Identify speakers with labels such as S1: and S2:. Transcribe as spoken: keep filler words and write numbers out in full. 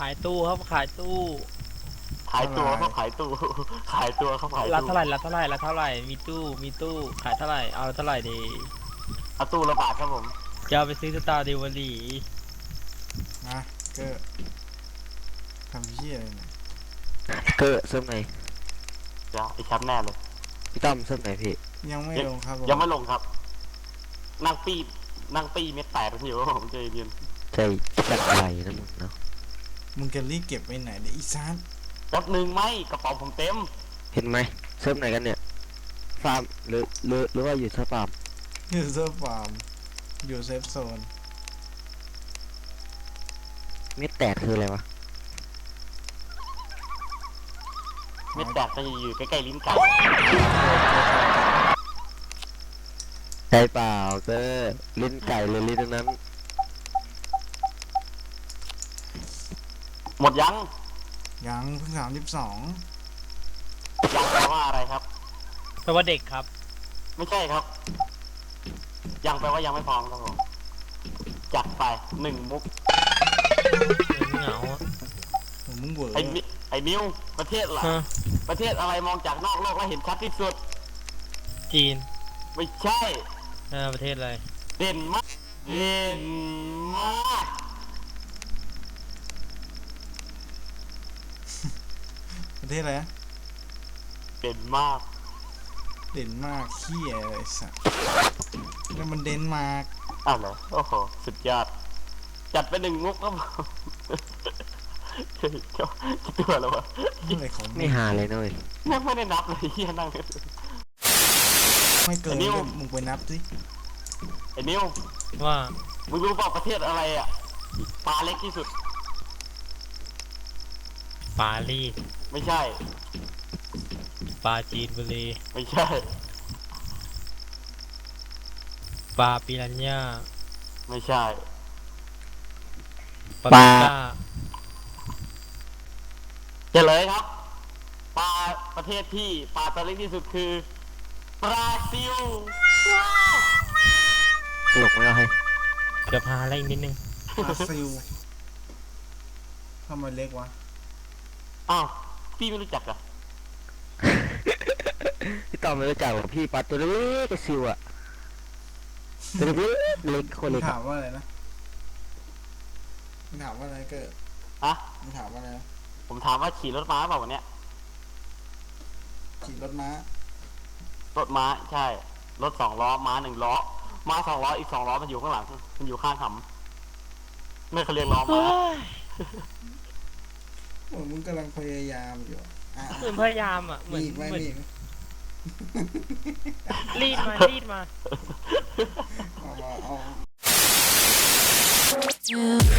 S1: ายตู้ครับขายตู้
S2: ขายตัวเขาขายตู้ขายตัวเขาขาย
S1: รับ
S2: ตู้
S1: เท่าไหร่รับเท่าไหร่รับเท่าไหร่มีตู้มีตู้ขายเท่าไหร่เอาเท่าไหร่ดี
S2: เอาตู้ละบาทครับผม
S1: จะเอาไปซื้อสตาร์ดิวอรี่
S3: นะก็ทำเหี้ยอะไรเนี่ย
S4: เกิดเซิร์ฟไหน
S2: เดี๋ยวไอ้แชมป์แน่เลย
S4: พี่ต้อมเซิร์ฟไหนพี่
S3: ยังไม่ลงครับผม
S2: ยังไม่ลงครับนั่งปีนั่งปีเม็ดแตกอยู่ผมใจเย็น
S4: ใจจัดอะไรนะมึงเนาะ
S3: มึงจะรีบเก็บไปไหนเนี่ยอีซาน
S2: แป๊บหนึ่งไหมกระเป๋าผมเต็ม
S4: เห็นไหมเซิร์ฟไหนกันเนี่ยฟาร์มหรือหรือหรือว่าอยู่เซิร์ฟฟาร์ม
S3: ยูเซอร์ฟาร์มอยู่เซฟโซน
S4: เม็ดแตกคืออะไรวะ
S2: เม็ดแตกจะอยู่ใกล้ๆลิ้นไก่
S4: ใช่เปล่าเกอร์ลิ้นไก่หรือลิ้นนั้น
S2: หมดยัง
S3: ยังเพิ่งสามสิบสอง
S2: ยังแปลว่าอะไรครับ
S1: แปลว่าเด็กครับ
S2: ไม่ใช่ครับ ยังแปลว่ายังไม่พร้อมครับผมจัดไปหนึ่งมุก
S1: เหงาอะ
S3: ผมมึงเวอร์
S2: ไอ้มิไอ้มิวประเทศอะไร
S1: ฮะ
S2: ประเทศอะไรมองจากนอกโลกแล้วเห็นชัดที่สุด
S1: จีน
S2: ไม่ใช่
S1: เออประเทศอะไร
S2: เด่นมากเด่นมาก
S3: ประเทศอะไรนะ
S2: เด่นมาก
S3: เด่นมากเขี้ยเลยสัสแล้วมันเดนมาร์ก
S2: อ้าวเหรอโอ้โหสุดยอดจัดไปหนึ่งมุกครับผม เฮ้ยเจ้ากี่ตัวแล้ววะ
S3: อะไรของ
S4: ไม่หาเลยนะเว้ย
S2: ยังไม่ได้นับเลยเฮียนั่ง
S3: ไม่เกิน
S2: ไอ้นิ้ว
S3: มึงไปนับสิ
S2: ไอ้นิว
S1: ว่า
S2: มึงรู้เปล่าประเทศอะไรอ่ะปลาเล็กที่สุด
S1: ปารีส
S2: ไม่ใช่
S1: ปลาจีนบุรี
S2: ไม่ใช่
S1: ปลาปิรันย่า
S2: ไม่ใช่
S1: ปลาปิก้า
S2: เฉลยครับปลาประเทศที่ปลาตัวเล็กที่สุดคือบราซิล
S4: ตลกไม่เอาให้
S1: เดี๋ยวพาอะไรอีกนิดนึง
S3: บราซิลทำไมเล็กวะ
S2: อ้าวพี่ไม่รู้จักเหรอ
S4: พี่ต้อมไม่รู้จักหรอกพี่ปลาตัวเล็กๆกระซิวอะตัวเล็กๆเล็กโค
S3: มึ
S4: น
S3: ง
S4: เล็ก
S3: ถา
S4: อะ
S3: มว่าอะไรนะมึงถามว่าอะไรเกิด
S2: ฮะ
S3: มึงถามว่าอะไรนะ
S2: ผมถามว่าขี่รถม้าเปล่าวันเนี้ย
S3: ขี่รถม้าร
S2: ถม้าใช่รถสองล้อม้าหนึ่งล้อม้าสองล้ออีกสองล้อมันอยู่ข้างหลังมันอยู่ข้างหำไม่เขาเรียกล้อม้า
S3: โอ้มึงกำลังพยายามอยู่อะอ่ะ
S1: เหมือนพยายามอ่ะเหมื
S3: มี
S1: อน
S3: อีกไหม
S1: เหมือน
S3: มีอีกไหม
S1: รีดมารีดมา
S3: เอามาเอา
S5: you